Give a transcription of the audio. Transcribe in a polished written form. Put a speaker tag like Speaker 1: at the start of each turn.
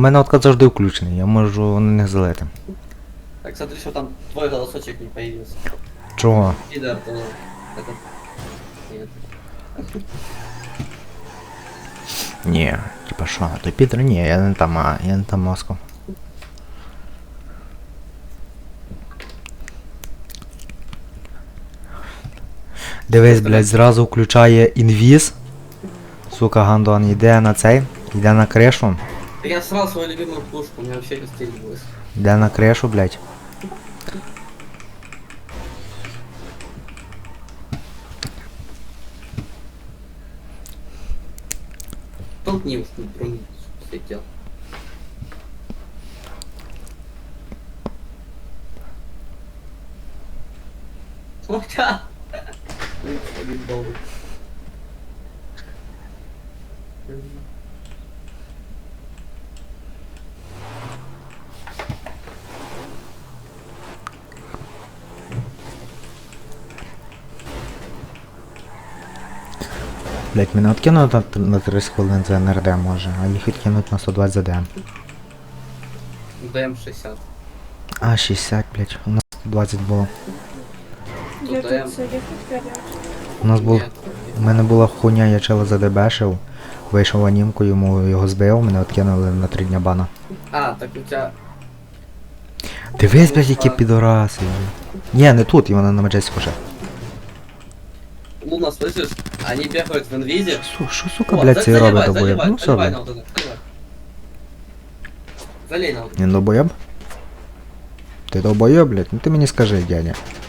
Speaker 1: мене откат завжди включений, я можу на них залити.
Speaker 2: Так, смотри, что там твой голосочек не появился.
Speaker 1: Чого?
Speaker 2: Пидор, то... Это... Нет.
Speaker 1: Ні, типа що, той Пітер, ні, я не там, я не там мозком. Дивись, блядь, зразу включає інвіз. Сука, гандон йде на цей, йде на кришу.
Speaker 2: Так я срал свою любимую пушку, у меня вообще расстреливалось.
Speaker 1: Йде на кришу, блядь.
Speaker 2: Толкни уж, не труни, слетел. Смотря! Один доллар.
Speaker 1: Блядь, мене откинуть на 30 хвилин за НРД може, а їх відкинуть на 120 за ДМ.
Speaker 2: ДМ 60.
Speaker 1: А, 60, блядь, у нас 120 було.
Speaker 3: Я
Speaker 2: Тут ДМ.
Speaker 3: тут заехать горячий.
Speaker 1: У нас був,
Speaker 2: Нет.
Speaker 1: у мене була хуйня, я чела задебешив, вийшов анімку, його збив, мене откинули на 3 дня бана.
Speaker 2: А, так у тебя...
Speaker 1: Дивись, блядь, які підораси. Ні, не тут, і вона на Маджестіку ще.
Speaker 2: Луна, слышишь? Они бегают в инвизе.
Speaker 1: Що, сука, блядь, цей робить добоєб? Ну все,
Speaker 2: заливай
Speaker 1: блядь.
Speaker 2: на вот это, заливай. Залей на вот это.
Speaker 1: Він долбоєб? Ти долбоєб, блядь? Ну ти мені скажи, дядя.